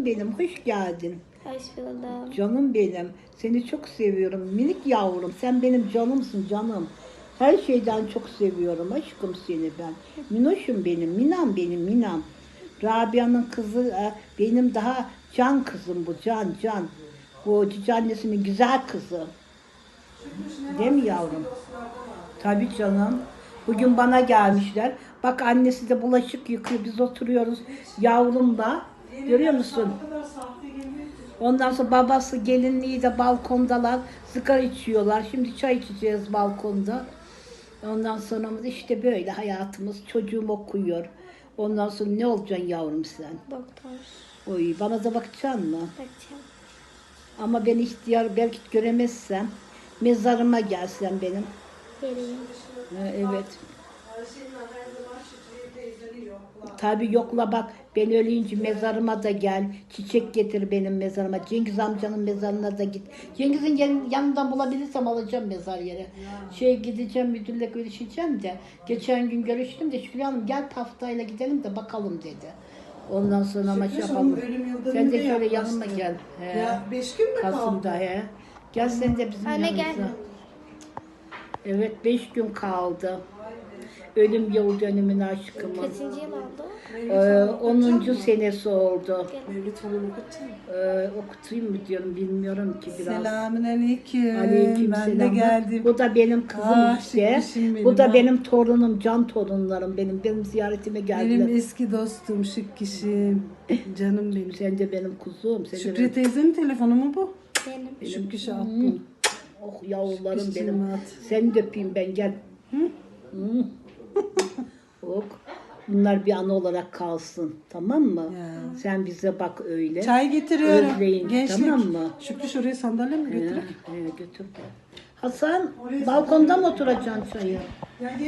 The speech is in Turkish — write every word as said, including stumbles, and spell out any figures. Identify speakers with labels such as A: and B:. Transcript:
A: Canım benim, hoş geldin.
B: Hoş buldum.
A: Canım benim, seni çok seviyorum. Minik yavrum, sen benim canımsın canım. Her şeyden çok seviyorum aşkım seni ben. Minoşum benim, Minam benim, Minam. Rabia'nın kızı e, benim daha can kızım bu, can can. Bu cici annesinin güzel kızı. Değil mi yavrum? Tabii canım. Bugün bana gelmişler. Bak annesi de bulaşık yıkıyor. Biz oturuyoruz yavrumla. Görüyor musun? Ondan sonra babası gelinliği de balkondalar. Sigara içiyorlar. Şimdi çay içeceğiz balkonda. Ondan sonra işte böyle hayatımız. Çocuğum okuyor. Ondan sonra ne olacaksın yavrum sen?
B: Doktor.
A: Oy, bana da bakacaksın mı?
B: Bakacağım.
A: Ama ben ihtiyar belki göremezsem mezarıma gelsen benim.
B: Vereyim.
A: Ha, evet. Tabii yokla bak, ben ölünce mezarıma da gel. Çiçek getir benim mezarıma. Cengiz amcanın mezarına da git. Cengiz'in yan- yanından bulabilirsem alacağım mezar yere. Şey gideceğim, müdürle görüşeceğim de. Geçen gün görüştüm de Şükür Hanım gel taftayla gidelim de bakalım dedi. Ondan sonra ama şey yapalım. Sen de şöyle yanıma gel. He.
C: Ya beş gün mü kaldı?
A: Kasım'da he. Gel sen de bizim
B: Anne,
A: yanımıza.
B: gel.
A: Evet, beş gün kaldı. Ölüm yıl dönümüne aşkımın.
B: Kaçıncı yıl oldu?
A: Ee, onuncu senesi oldu.
C: Mevlüt falan okutayım.
A: Ee, okutayım mı diyorum bilmiyorum ki biraz.
C: Selamünaleyküm.
A: Aleyküm
C: Ben
A: selam.
C: de geldim.
A: Bu da benim kızım
C: Ah,
A: işte.
C: şıkkışım benim,
A: Bu da
C: ha.
A: benim torunum, can torunlarım benim. Benim ziyaretime geldiler.
C: Benim eski dostum, şık kişim. Canım benim.
A: Sen de benim kuzum. Sen de
C: Şükrü
A: benim...
C: teyzenin telefonu mu bu?
B: Benim.
C: Şık kişi attım.
A: Oh yavrularım
C: Şıkkışım
A: benim.
C: at.
A: Seni de öpeyim ben gel. Hı? Hı. Ok. Bunlar bir anı olarak kalsın. Tamam mı?
C: Ya.
A: Sen bize bak öyle.
C: Çay getiriyorum.
A: Özleyin,
C: Gençlik.
A: tamam mı?
C: Şükrü şuraya sandalye mi
A: He,
C: getireyim?
A: he, götür. Hasan balkonda mı oturacaksın çayı?